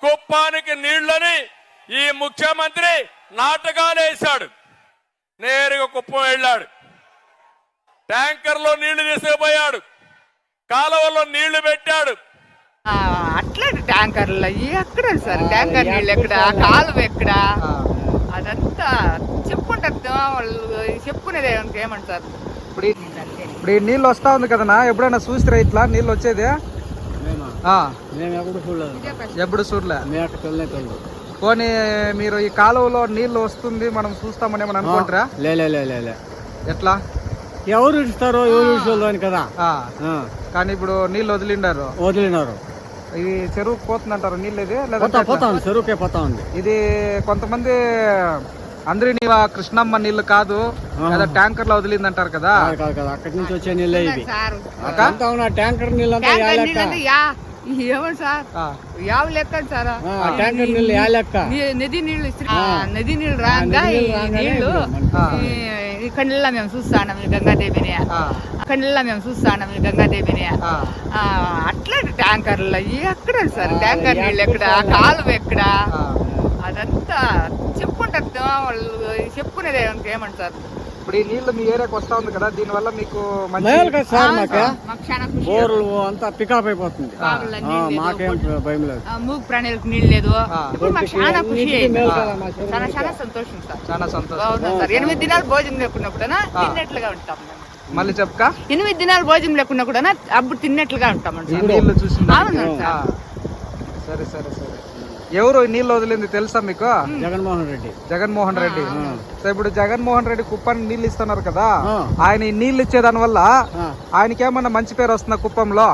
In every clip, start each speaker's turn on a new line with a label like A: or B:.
A: కుప్పానికి నీళ్లని ఈ ముఖ్యమంత్రి నాటకాలు వేశాడు. నేరుగా కుప్పం వెళ్ళాడు, ట్యాంకర్లో నీళ్లు తీసుకుపోయాడు, కాలువలో నీళ్లు పెట్టాడు.
B: అట్లా ట్యాంకర్లు ఎక్కడ సార్, ట్యాంకర్ నీళ్ళు ఎక్కడ, కాలువ ఎక్కడ, అదంతా చెప్పుకుంటారు వాళ్ళు, చెప్పుకునేది ఏమంటారు.
C: ఇప్పుడు ఈ నీళ్ళు వస్తా ఉంది కదనా, ఎప్పుడైనా చూసిరా ఇట్లా నీళ్ళు వచ్చేది? ఎప్పుడు చూడలే. పోనీ మీరు ఈ కాలువలో నీళ్లు వస్తుంది మనం చూస్తామని ఏమని అనుకుంటారా?
D: లే
C: ఎట్లా
D: ఎవరు ఇస్తారో ఎవరు ఇచ్చేవాళ్ళు కదా.
C: కానీ ఇప్పుడు నీళ్ళు వదిలినారు. ఇది చెరువుకు పోతుందంటారు నీళ్ళు, ఇది
D: పోతా ఉంది, చెరువుకే పోతా ఉంది.
C: ఇది కొంతమంది అందరి కృష్ణమ్మ నీళ్లు కాదు, ట్యాంకర్ లో వదిలిందంటారు కదా.
D: అక్కడి నుంచి వచ్చే నీళ్ళే ఇవి. ట్యాంకర్ నీళ్ళు
B: ఏమని సార్, యావ లెక్క సార్,
D: ట్యాంకర్ నీళ్ళు యా లెక్క,
B: నది నీళ్లు నది నీళ్లు రాగా నీళ్లు కళ్ళ మేము చూస్తాం గంగాదేవిని, కళ్ళ మేము చూస్తాం గంగాదేవిని. అట్లా ట్యాంకర్లు ఎక్కడ సార్, ట్యాంకర్ నీళ్ళు ఎక్కడ, కాలువ ఎక్కడ, అదంతా చెప్పుకుంటారు వాళ్ళు, చెప్పుకునేది ఏమంటారు.
C: ఇప్పుడు ఈ నీళ్లు మీ ఏరియాకి వస్తా ఉంది కదా, దీని వల్ల మీకు
D: బోర్లు అంతా పికప్ అయిపోతుంది, మాకేం భయం లేదు,
B: మూగు ప్రాణులకు నీళ్ళు లేదు. ఇప్పుడు మాకు చాలా ఖుషి అయింది, చాలా సంతోషం సార్,
C: చాలా సంతోషం
B: సార్. 8 దినాలు భోజనం లేకుండా కూడా తిన్నట్లుగా ఉంటాం.
C: మళ్ళీ చెప్పక
B: 8 దినాలు భోజనం లేకుండా కూడా అప్పుడు తిన్నట్లుగా ఉంటాం.
C: నీళ్లు చూసి
B: అవును సార్.
C: సరే సరే సరే. ఎవరు నీళ్ళు వదిలింది తెలుసా మీకు?
D: జగన్మోహన్ రెడ్డి.
C: సో ఇప్పుడు జగన్మోహన్ రెడ్డి కుప్పానికి నీళ్ళు ఇస్తున్నారు కదా, ఆయన ఈ నీళ్ళు ఇచ్చేదాని వల్ల ఆయనకి ఏమన్నా మంచి పేరు వస్తుందా కుప్పంలో?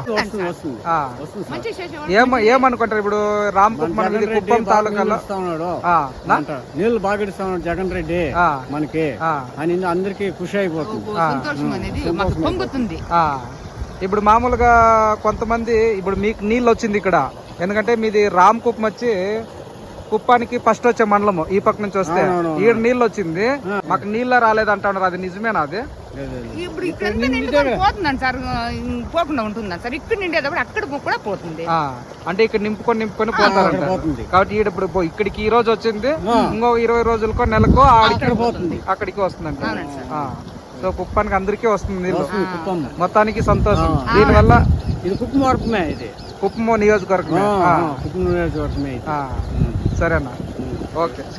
C: ఏమనుకుంటారు ఇప్పుడు రామ్ కుప్పం ఇది కుప్పం తాలూకాలో
D: నీళ్లు బాగా ఇస్తున్నాడు జగన్ రెడ్డి మనకి అని అందరికి ఖుషి అయిపోతుంది.
C: ఇప్పుడు మామూలుగా కొంతమంది ఇప్పుడు మీకు నీళ్ళు వచ్చింది ఇక్కడ, ఎందుకంటే మీది రామ్ కుప్పం వచ్చి కుప్పానికి ఫస్ట్ వచ్చే మండలము, ఈ పక్క నుంచి వస్తే ఈడ నీళ్ళు వచ్చింది, మాకు నీళ్ళ రాలేదు అంటున్నారు, అది నిజమేనా? అది
B: ఇప్పుడు ఇక్కడ పోతుందండి సార్, పోకుండా ఉంటుందండి సార్, ఇక్కడ నిండేటప్పుడు అక్కడ కూడా పోతుంది.
C: అంటే ఇక్కడ నింపుకొని పోతారంట. కాబట్టి ఈడ ఇప్పుడు ఇక్కడికి ఈ రోజు వచ్చింది, ఇంకో 20 రోజులకో నెలకో అక్కడికి వస్తుందంట. సో కుప్పానికి అందరికీ వస్తుంది నీళ్ళు, మొత్తానికి సంతోషం. దీనివల్ల
D: ఇది కుప్పమే, ఇది
C: కుప్పం నియోజకవర్గమే.
D: కుప్పం నియోజకవర్గమే.
C: సరేనా, ఓకే.